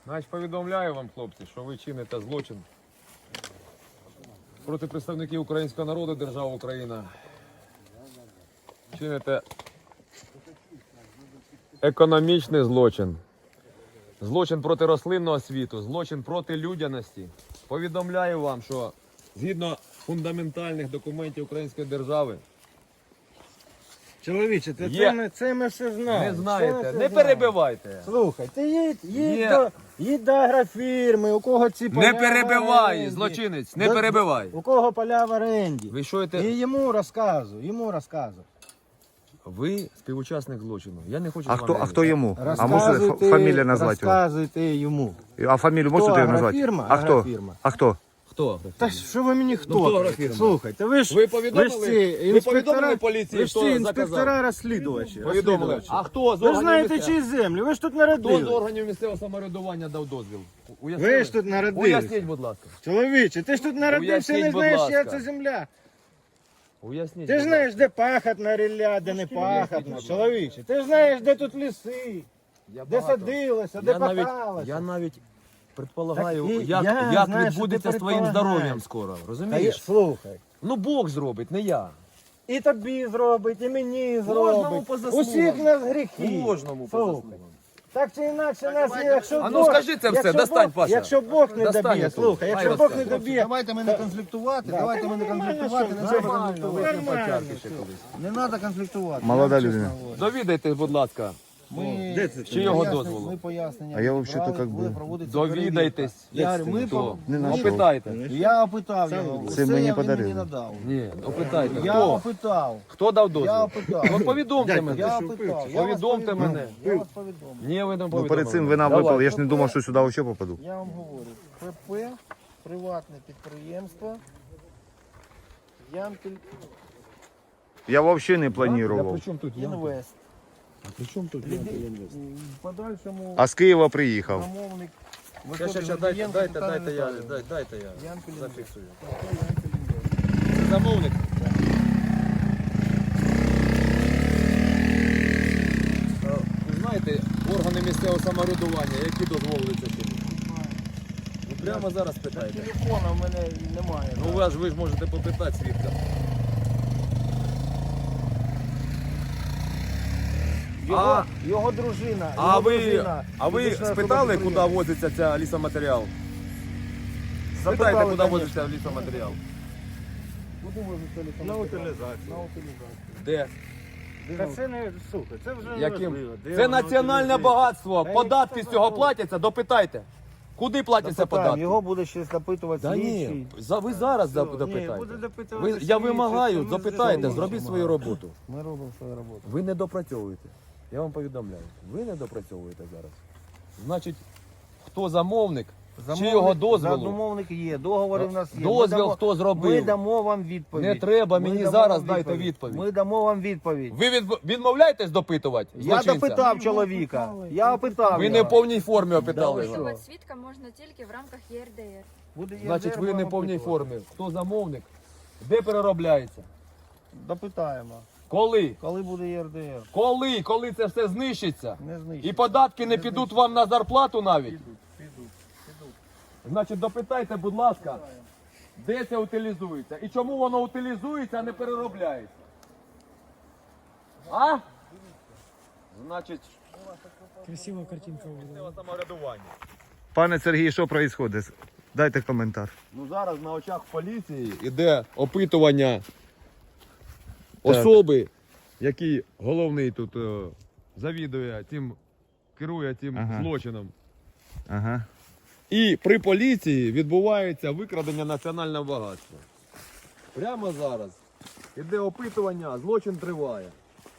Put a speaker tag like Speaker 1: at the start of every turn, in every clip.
Speaker 1: Значить, повідомляю вам, хлопці, що ви чините злочин проти представників українського народу, держави Україна. Чините економічний злочин, злочин проти рослинного світу, злочин проти людяності. Повідомляю вам, що згідно фундаментальних документів української держави,
Speaker 2: Чоловіче, це ми все знаємо.
Speaker 1: не знаєте, не перебивайте.
Speaker 2: Слухай, ти
Speaker 1: Є.
Speaker 2: їдь до агрофірми, у кого ці поля
Speaker 1: Не
Speaker 2: в
Speaker 1: перебивай,
Speaker 2: оренді.
Speaker 1: злочинець, не перебивай.
Speaker 2: У кого поля в оренді.
Speaker 1: Ви що це?
Speaker 2: І йому розказуй.
Speaker 1: Ви співучасник злочину. Я не хочу
Speaker 3: А
Speaker 1: з
Speaker 3: хто,
Speaker 1: вами
Speaker 3: а хто йому? А
Speaker 2: Розказуйте,
Speaker 3: можете фамілію назвати його?
Speaker 2: Розказуйте йому.
Speaker 3: А фамілію можете
Speaker 2: Хто,
Speaker 3: його назвати?
Speaker 2: агрофірма?
Speaker 3: А хто?
Speaker 2: Агрофірма.
Speaker 3: А хто?
Speaker 1: Хто?
Speaker 2: Та що ви мені хто?
Speaker 1: Ну, хто агрофірма?
Speaker 2: Слухайте, ви ж
Speaker 1: Ви повідомили?
Speaker 2: ви ж ці
Speaker 1: Ви повідомили поліції,
Speaker 2: ви ж ці
Speaker 1: хто
Speaker 2: інспектора
Speaker 1: заказав?
Speaker 2: розслідувачі.
Speaker 1: Повідомили.
Speaker 2: розслідувачі.
Speaker 1: А хто з
Speaker 2: Ви ж
Speaker 1: органів
Speaker 2: знаєте,
Speaker 1: місцевого?
Speaker 2: чиї землі, ви ж тут
Speaker 1: Хто з
Speaker 2: народили.
Speaker 1: органів місцевого самоврядування дав дозвіл? Уяснили?
Speaker 2: Ви ж тут народились.
Speaker 1: Уясніть, будь ласка.
Speaker 2: Чоловіче, ти ж тут народився,
Speaker 1: Уясніть,
Speaker 2: не
Speaker 1: будь
Speaker 2: знаєш,
Speaker 1: ласка.
Speaker 2: як це земля.
Speaker 1: Уясніть.
Speaker 2: Ти ж
Speaker 1: будь
Speaker 2: знаєш, де пахотна рілля, де не пахотна. Чоловіче, ти ж знаєш, де тут ліси,
Speaker 1: Я
Speaker 2: де
Speaker 1: багато.
Speaker 2: садилося, де
Speaker 1: Я навіть,
Speaker 2: пахалося.
Speaker 1: я навіть предполагаю,
Speaker 2: Так і
Speaker 1: як,
Speaker 2: я
Speaker 1: як
Speaker 2: знаю,
Speaker 1: відбудеться
Speaker 2: що
Speaker 1: з
Speaker 2: ти
Speaker 1: твоїм
Speaker 2: предполагаєш.
Speaker 1: здоров'ям скоро.
Speaker 2: Та є-
Speaker 1: Розумієш?
Speaker 2: Слухай,
Speaker 1: Ну Бог зробить, не я.
Speaker 2: і тобі зробить, і мені
Speaker 1: Кожному
Speaker 2: зробить.
Speaker 1: по заслугам.
Speaker 2: Усіх нас гріхи.
Speaker 1: Кожному по
Speaker 2: Слухай.
Speaker 1: заслугам.
Speaker 2: Так чи інакше нас, якщо
Speaker 1: А ну
Speaker 2: Бог,
Speaker 1: скажи це все,
Speaker 2: якщо
Speaker 1: достань,
Speaker 2: Бог,
Speaker 1: Паша.
Speaker 2: Якщо Бог не
Speaker 1: Достань
Speaker 2: доб'є,
Speaker 1: я
Speaker 2: слухай,
Speaker 1: тут.
Speaker 2: якщо
Speaker 1: Хай
Speaker 2: Бог не
Speaker 1: розкаже.
Speaker 2: доб'є,
Speaker 4: Давайте ми не конфліктувати, давайте ми не конфліктувати, не
Speaker 2: нормально,
Speaker 4: треба
Speaker 2: що,
Speaker 4: конфліктувати.
Speaker 2: нормально,
Speaker 1: ще
Speaker 2: що.
Speaker 1: колись.
Speaker 4: Не треба конфліктувати.
Speaker 3: Молода
Speaker 4: я вам
Speaker 3: людина.
Speaker 4: чесно говорю.
Speaker 1: Довідайтесь, будь ласка.
Speaker 4: Ми
Speaker 1: Чи його
Speaker 4: пояснення-
Speaker 1: дозволу?
Speaker 4: Ми пояснення
Speaker 3: А я
Speaker 4: відібрали,
Speaker 3: взагалі-то как
Speaker 4: буде
Speaker 3: би-
Speaker 4: проводитися
Speaker 1: Довідайтесь.
Speaker 4: перевірка. Я говорю, ми
Speaker 1: Хто?
Speaker 4: по-
Speaker 3: Не
Speaker 4: ми-
Speaker 3: знайшов.
Speaker 1: Опитайте.
Speaker 4: Я опитав його.
Speaker 3: Це
Speaker 4: Все
Speaker 3: мені
Speaker 4: він
Speaker 3: подарили.
Speaker 4: мені надав.
Speaker 1: Ні, опитайте.
Speaker 4: Я
Speaker 1: Хто?
Speaker 4: опитав.
Speaker 1: Хто дав
Speaker 4: Я
Speaker 1: дозвіл?
Speaker 4: опитав.
Speaker 1: Ну повідомте мене.
Speaker 4: Я опитав. Я вас
Speaker 1: Повідомте
Speaker 4: повідомив.
Speaker 1: мене.
Speaker 4: Я вас повідомив.
Speaker 1: Ні, ви не
Speaker 3: Ну
Speaker 1: повідомили.
Speaker 3: перед цим ви нам
Speaker 1: Давай.
Speaker 3: випали, я ж не думав, що сюди взагалі попаду.
Speaker 4: Я вам говорю. ПП, приватне підприємство. Ямпіль
Speaker 3: Я взагалі не
Speaker 1: Я
Speaker 3: планував.
Speaker 1: при чому тут? Я?
Speaker 4: Інвест.
Speaker 1: А при чому тут?
Speaker 4: В подальшому
Speaker 3: А з Києва приїхав.
Speaker 4: замовник.
Speaker 1: Щас,
Speaker 4: виходить
Speaker 1: дайте я
Speaker 4: Віталій
Speaker 1: зафіксую.
Speaker 4: Інвест.
Speaker 1: Це замовник. Ви знаєте, органи місцевого самоврядування, які дозволили це чинити? Ну прямо зараз питайте.
Speaker 4: Телефона в мене немає.
Speaker 1: Ну ви ж можете попитати свідка.
Speaker 2: Його дружина.
Speaker 1: А
Speaker 2: його
Speaker 1: ви,
Speaker 2: дружина,
Speaker 1: а ви
Speaker 2: фізична особа
Speaker 1: спитали, куди
Speaker 2: підприємства.
Speaker 1: возиться ця лісоматеріал? Спитайте,
Speaker 2: Запитали,
Speaker 1: куди
Speaker 2: конечно.
Speaker 1: возиться лісоматеріал?
Speaker 4: Куди возиться телефон?
Speaker 2: На утилізацію.
Speaker 4: На утилізацію.
Speaker 1: Де?
Speaker 2: Та це не, слухай, це вже
Speaker 1: Яким?
Speaker 2: важливо. Де
Speaker 1: Це
Speaker 2: воно
Speaker 1: національне
Speaker 2: утилізується?
Speaker 1: багатство.
Speaker 2: Та
Speaker 1: Податки
Speaker 2: яке
Speaker 1: з цього
Speaker 2: це
Speaker 1: платяться, допитайте. Куди платяться
Speaker 2: Запитаємо,
Speaker 1: податки?
Speaker 2: Його буде ще запитувати
Speaker 1: Та
Speaker 2: слідчий.
Speaker 1: ні, ви зараз
Speaker 2: Ні,
Speaker 1: допитайте.
Speaker 2: буде допитувати
Speaker 1: Я
Speaker 2: слідчий,
Speaker 1: вимагаю,
Speaker 2: це
Speaker 1: запитайте,
Speaker 2: ми
Speaker 1: зробіть свою роботу.
Speaker 4: Ми робимо свою роботу.
Speaker 1: Ви не допрацьовуєте. Я вам повідомляю. Ви не допрацьовуєте зараз. Значить, хто замовник, чи його дозволу?
Speaker 4: Замовник є, договори в нас є.
Speaker 1: Дозвіл хто зробив?
Speaker 4: Ми дамо вам відповідь.
Speaker 1: Не треба,
Speaker 4: Ми
Speaker 1: мені
Speaker 4: дамо
Speaker 1: зараз
Speaker 4: вам
Speaker 1: дайте відповідь.
Speaker 4: Ми дамо вам відповідь.
Speaker 1: Ви відмовляєтесь допитувати
Speaker 4: Я
Speaker 1: злочинця?
Speaker 4: допитав чоловіка. Я опитав.
Speaker 1: Ви не в
Speaker 4: його.
Speaker 1: повній формі опитали його.
Speaker 5: Допитувати свідка можна тільки в рамках ЄРДР.
Speaker 4: Буде
Speaker 1: Значить,
Speaker 4: ЄРДР,
Speaker 1: ви не в
Speaker 4: будемо
Speaker 1: повній
Speaker 4: опитувати.
Speaker 1: формі. Хто замовник? Де переробляється?
Speaker 4: Допитаємо.
Speaker 1: Коли?
Speaker 4: Коли буде ЄРДР?
Speaker 1: Коли? Коли це все знищиться?
Speaker 4: Не
Speaker 1: І
Speaker 4: знищить.
Speaker 1: податки не підуть вам на зарплату навіть?
Speaker 4: Підуть.
Speaker 1: Значить, допитайте, будь ласка, де це утилізується? І чому воно утилізується, а не переробляється? А? Значить,
Speaker 6: Красива картинка была.
Speaker 1: самоврядування.
Speaker 3: Пане Сергій, що відбувається? Дайте коментар.
Speaker 1: Ну зараз на очах поліції іде опитування особи, який головний тут завідує цим, керує цим
Speaker 3: Ага.
Speaker 1: злочином.
Speaker 3: Ага.
Speaker 1: І при поліції відбувається викрадення національного багатства. Прямо зараз іде опитування, злочин триває.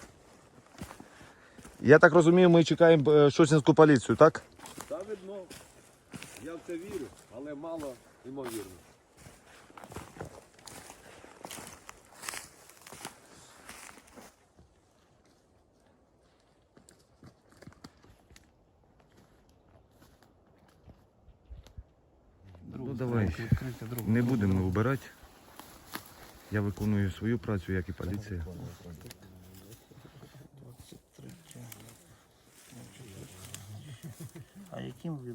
Speaker 3: Я так розумію, ми чекаємо Шосінську поліцію, так?
Speaker 1: Та видно, я в це вірю, але мало ймовірно.
Speaker 3: Ну давай, не будемо вибирати. Я виконую свою працю, як і поліція.
Speaker 4: А яким ви